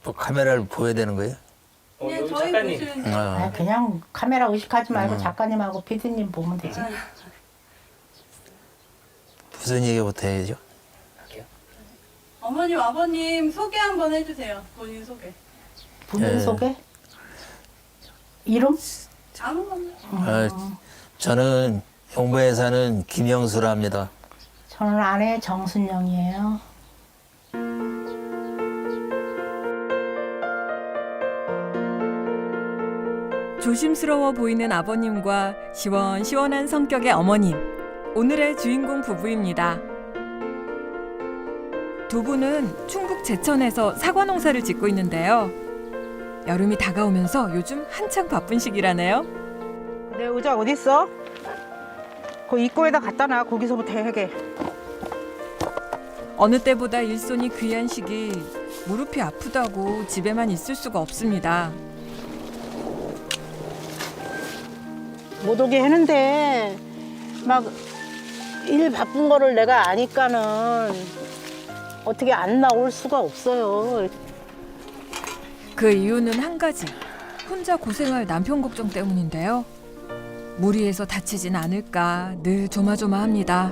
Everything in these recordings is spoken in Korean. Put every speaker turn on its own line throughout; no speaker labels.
뭐 카메라를 보여야 되는 거예요?
그냥
여기
저희
작가님.
보시는
아, 그냥 카메라 의식하지 말고 작가님하고 피디님 보면 되지.
무슨 얘기부터 해야죠?
어머님, 아버님 소개 한번 해주세요. 본인 소개.
본인
예.
소개? 이름?
아무거나.
저는 용보에 사는 김영수라 합니다.
저는 아내 정순영이에요.
조심스러워 보이는 아버님과 시원시원한 성격의 어머님. 오늘의 주인공 부부입니다. 두 분은 충북 제천에서 사과 농사를 짓고 있는데요. 여름이 다가오면서 요즘 한창 바쁜 시기라네요.
내 의자 어디 있어? 그 입구에다 갖다 놔. 거기서부터 해게.
어느 때보다 일손이 귀한 시기 무릎이 아프다고 집에만 있을 수가 없습니다.
못 오게 했는데 막 일 바쁜 거를 내가 아니까는 어떻게 안 나올 수가 없어요.
그 이유는 한 가지. 혼자 고생할 남편 걱정 때문인데요. 무리해서 다치진 않을까 늘 조마조마합니다.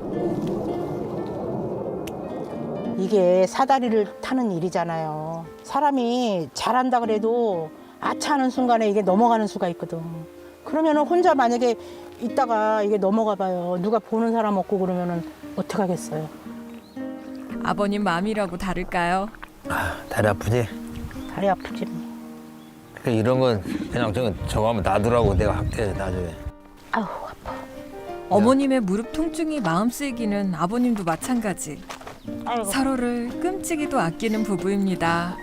이게 사다리를 타는 일이잖아요. 사람이 잘한다 그래도 아차하는 순간에 이게 넘어가는 수가 있거든. 그러면은 혼자 만약에 있다가 이게 넘어가 봐요. 누가 보는 사람 없고 그러면은 어떡하겠어요.
아버님 마음이라고 다를까요?
다리 아프지?
다리 아프지.
그러니까 이런 건 그냥 저거 하면 놔두라고 내가 할게 나중에.
아우 아파.
어머님의 무릎 통증이 마음 쓰이기는 아버님도 마찬가지.
아이고.
서로를 끔찍이도 아끼는 부부입니다.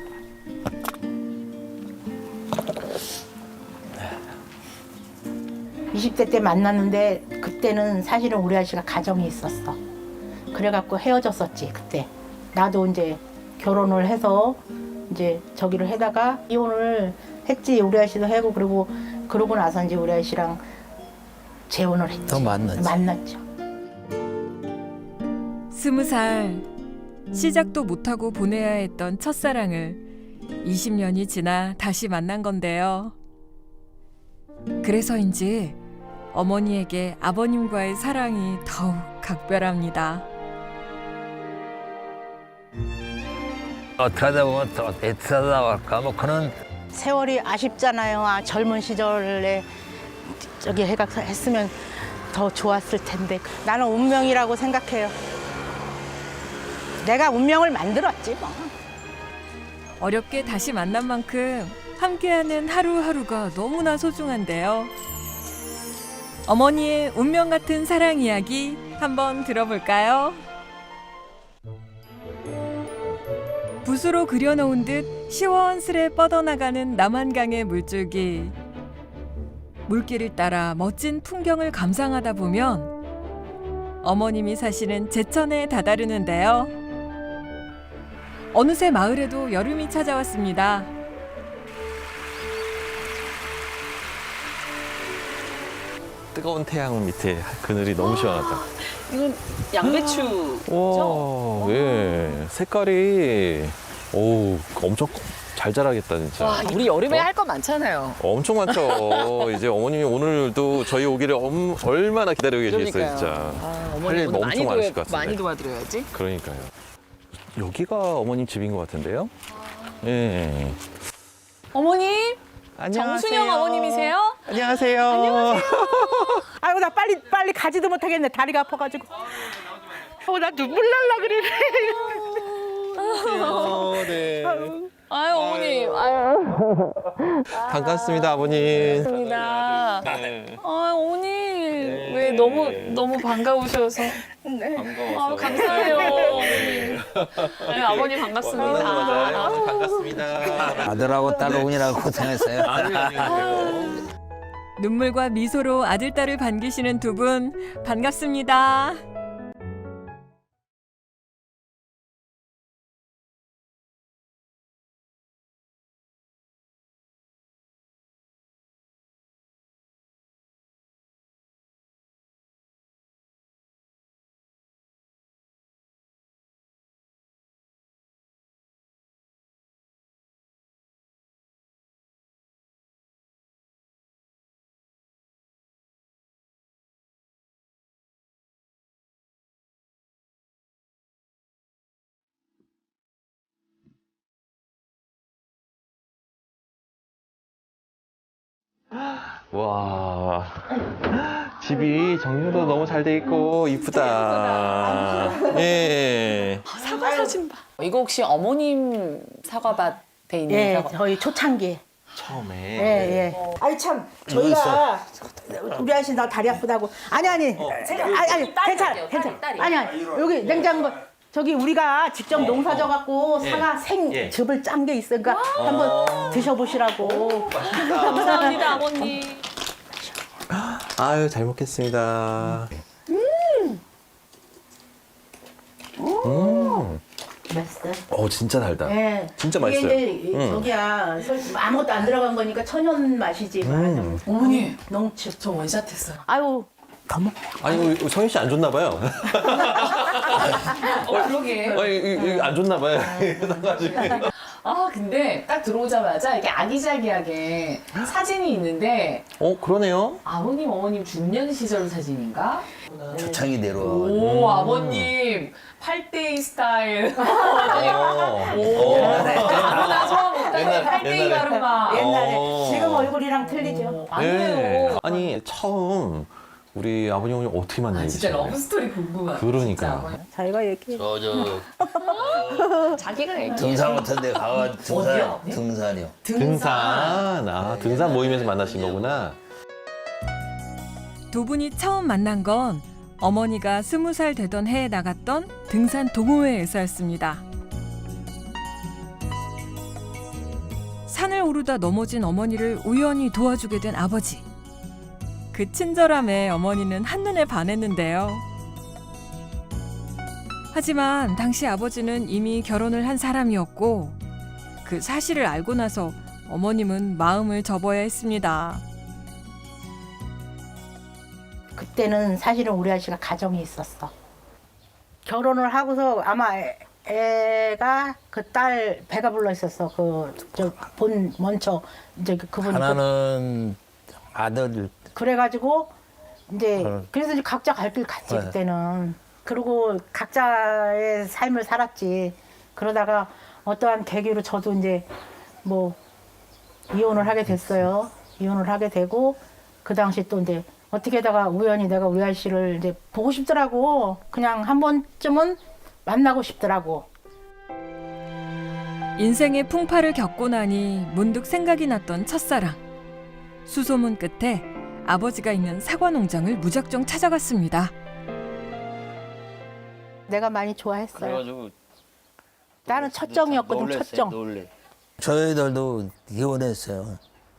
이십 대 때 만났는데 그때는 사실은 우리 아저씨가 가정이 있었어. 그래갖고 헤어졌었지 그때. 나도 이제 결혼을 해서 이제 저기를 해다가 이혼을 했지. 우리 아저씨도 하고 그러고 나서 이제 우리 아저씨랑 재혼을 했지.
또 만났지.
만났죠.
20살 시작도 못하고 보내야 했던 첫사랑을 20년이 지나 다시 만난 건데요. 그래서인지 어머니에게 아버님과의 사랑이 더욱 각별합니다.
어떻게 하다 보면 또 애틋하다 할까 뭐 그런.
세월이 아쉽잖아요. 아, 젊은 시절에 저기 했으면 더 좋았을 텐데. 나는 운명이라고 생각해요. 내가 운명을 만들었지 뭐.
어렵게 다시 만난 만큼 함께하는 하루하루가 너무나 소중한데요. 어머니의 운명 같은 사랑 이야기 한번 들어볼까요? 붓으로 그려놓은 듯 시원스레 뻗어나가는 남한강의 물줄기. 물길을 따라 멋진 풍경을 감상하다 보면 어머님이 사시는 제천에 다다르는데요. 어느새 마을에도 여름이 찾아왔습니다.
뜨거운 태양 밑에 그늘이 너무 시원하다.
이건 양배추.
와, 예. 색깔이, 오, 엄청 잘 자라겠다, 진짜.
와, 우리 여름에 할 거 많잖아요.
엄청 많죠. 이제 어머님이 오늘도 저희 오기를 얼마나 기다리고 계시겠어요,
그러니까요.
진짜.
아,
할
어머니
일
오늘
엄청 많으실 것 같은데.
많이 도와드려야지.
그러니까요. 여기가 어머님 집인 것 같은데요? 예.
어머님,
안녕하세요.
정순영 어머님이세요?
안녕하세요.
아이고 나 빨리 가지도 못하겠네. 다리가 아파가지고. 나 눈물 날라 그래.
네.
아유, 어머님. 아유,
반갑습니다, 아버님.
반갑습니다.
네.
아, 어머님. 왜 너무 반가우셔서. 아, 감사해요, 어머님. 아유, 아버님 반갑습니다.
반갑습니다.
아들하고 딸오니라고 고생했어요.
눈물과 미소로 아들, 딸을 반기시는 두 분 반갑습니다.
와, 집이 정리도 너무 잘 돼 있고 이쁘다. 예.
사과 사진 봐. 이거 혹시 어머님 사과밭에 있는
예,
사과?
저희 초창기.
처음에.
예, 예. 아니 참 저희가 우리 아저씨 나 다리 아프다고. 아니 괜찮아. 아니 여기 냉장고 저기 우리가 직접 농사져 갖고 사과 생즙을 짠 게 있으니까 한번 드셔보시라고.
감사합니다, 아버님.
아유, 잘 먹겠습니다.
맛있어.
진짜 달다.
예.
진짜
이게
맛있어요.
이제 저기야 솔직히 아무것도 안 들어간 거니까 천연 맛이지.
어머니,
농축.
저 원샷했어요.
아유 더 먹어.
아니, 우리 성희 씨 안 좋나 봐요.
그러게.
이거 안 좋나 봐요.
아, 근데 딱 들어오자마자 이렇게 아기자기하게 사진이 있는데
그러네요.
아버님, 어머님 중년 시절 사진인가?
초창이 내려와.
오, 아버님 8대2 스타일. 나 처음 못하는 8대2 가르마.
옛날에 지금 얼굴이랑 틀리죠.
아니에요.
아니, 처음 우리 아버님 어머니 어떻게 만나게
진짜
되셨나요?
러브스토리 궁금하다.
그러니까.
자기가 얘기해.
자기가 얘기.
등산 같은 데 가가
어디요?
등산이요.
등산. 등산 모임에서 만나신 거구나.
두 분이 처음 만난 건 어머니가 20살 되던 해에 나갔던 등산 동호회에서였습니다. 산을 오르다 넘어진 어머니를 우연히 도와주게 된 아버지. 그 친절함에 어머니는 한눈에 반했는데요. 하지만 당시 아버지는 이미 결혼을 한 사람이었고 그 사실을 알고 나서 어머님은 마음을 접어야 했습니다.
그때는 사실은 우리 아저씨가 가정이 있었어. 결혼을 하고서 아마 애가 그 딸 배가 불러 있었어. 본 먼저 이제 그분이
하나는 아들.
그래가지고 이제 그래서 이제 각자 갈 길 갔지
네.
그때는. 그리고 각자의 삶을 살았지. 그러다가 어떠한 계기로 저도 이제 뭐 이혼을 하게 됐어요. 이혼을 하게 되고 그 당시 또 이제 어떻게다가 우연히 내가 우리 아저씨를 이제 보고 싶더라고. 그냥 한 번쯤은 만나고 싶더라고.
인생의 풍파를 겪고 나니 문득 생각이 났던 첫사랑. 수소문 끝에 아버지가 있는 사과 농장을 무작정 찾아갔습니다.
내가 많이 좋아했어요.
그래가지고
나는 첫정이었거든.
놀랬어요,
첫정.
놀래. 저희들도 이혼했어요.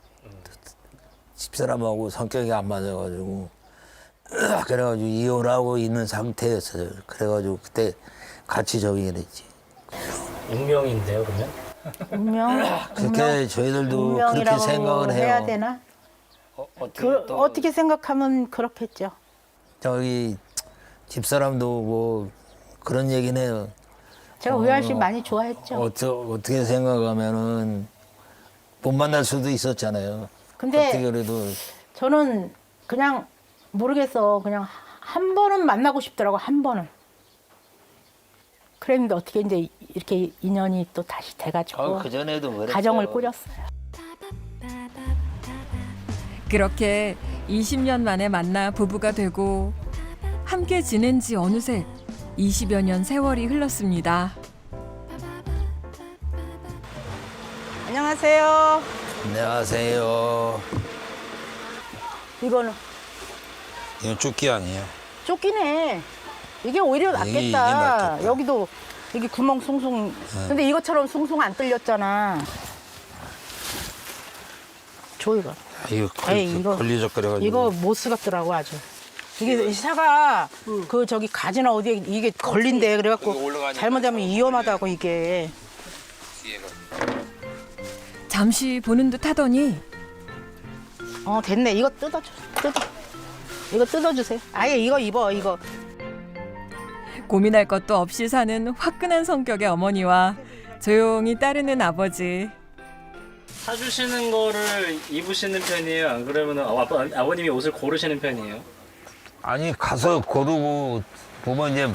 집사람하고 성격이 안 맞아가지고 그래가지고 이혼하고 있는 상태였어요. 그래가지고 그때 같이 저기 됐지.
운명인데요, 그러면?
운명.
그렇게 저희들도 그렇게
운명이라고
생각을 해요.
해야 되나? 어떻게 생각하면 그렇겠죠.
저기 집사람도 뭐 그런 얘기는 해요.
제가 우리 아저씨 많이 좋아했죠.
어떻게 생각하면은 못 만날 수도 있었잖아요.
근데
어떻게 그래도
저는 그냥 모르겠어. 그냥 한 번은 만나고 싶더라고. 한 번은. 그랬는데 어떻게 이제 이렇게 인연이 또 다시 돼가지고
그 전에도 그랬죠.
가정을 꾸렸어요.
그렇게 20년 만에 만나 부부가 되고 함께 지낸 지 어느새 20여 년 세월이 흘렀습니다.
안녕하세요.
안녕하세요.
이거는
이건 쭈끼 아니에요?
쫓기네. 이게 오히려 낫겠다.
이게 낫겠다.
여기도 여기 구멍 숭숭. 근데 이것처럼 숭숭 안 뚫렸잖아. 줘 이거.
이거
에이, 이거-
걸리적거려가지고.
이거 못 쓰겠더라고 아주. 이게 사과 그 저기 가지나 어디에 이게 걸린대. 그래갖고 잘못하면 위험하다고 이게.
잠시 보는 듯 하더니
됐네. 이거 뜯어. 이거 뜯어주세요. 아예 이거 입어 이거.
고민할 것도 없이 사는 화끈한 성격의 어머니와 조용히 따르는 아버지.
사주시는 거를 입으시는 편이에요? 안 그러면 아버님이 옷을 고르시는 편이에요?
아니 가서 고르고 보면 이제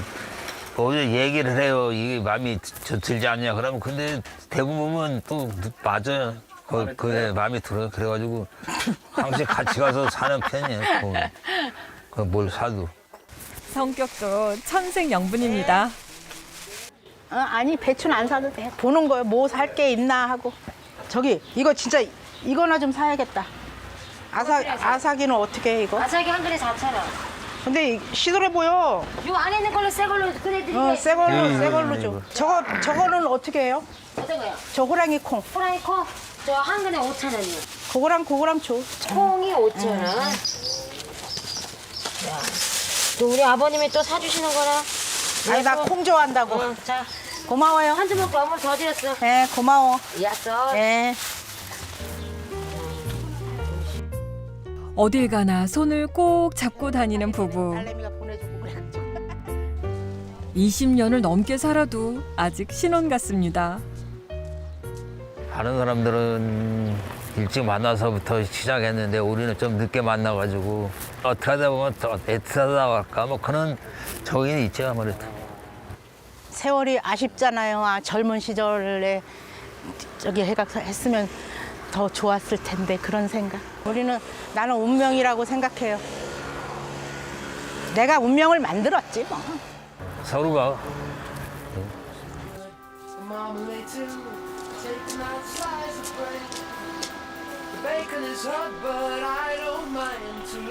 얘기를 해요. 이게 마음에 들지 않냐. 그러면 근데 대부분은 또 맞아요. 그게 마음에 들어요. 그래가지고 항상 같이 가서 사는 편이에요. 뭘 사도.
성격도 천생연분입니다.
아니 배추는 안 사도 돼. 보는 거예요. 뭐 살 게 있나 하고. 저기 이거 진짜 이거나 좀 사야겠다. 아사기는 어떻게 해 이거?
아사기 한 그릇 4,000원.
근데 시들해 보여.
요 안에 있는 걸로 새 걸로 그래드릴게요.
새 걸로 줘. 저거는 어떻게 해요?
어떤 거요?
저 호랑이 콩.
호랑이 콩? 저 한 그릇 5,000원이요.
그거랑 줘.
콩이 5,000원. 또 우리 아버님이 또 사주시는 거라.
아니 나 콩 좋아한다고.
응, 자,
고마워요.
한 주먹 어물 더 드렸어.
네, 고마워.
야써.
네.
어딜 가나 손을 꼭 잡고 다니는 부부.
딸내미가 보내주고 그래가지고.
20년을 넘게 살아도 아직 신혼 같습니다.
다른 사람들은 일찍 만나서부터 시작했는데 우리는 좀 늦게 만나가지고 어떻게 하다 보면 더 애틋하다 할까 뭐 그런 저기는 있죠 아무래도.
세월이 아쉽잖아요. 젊은 시절에 저기 했으면 더 좋았을 텐데 그런 생각. 나는 운명이라고 생각해요. 내가 운명을 만들었지 뭐.
서로가
Bacon is hot, but I don't mind too.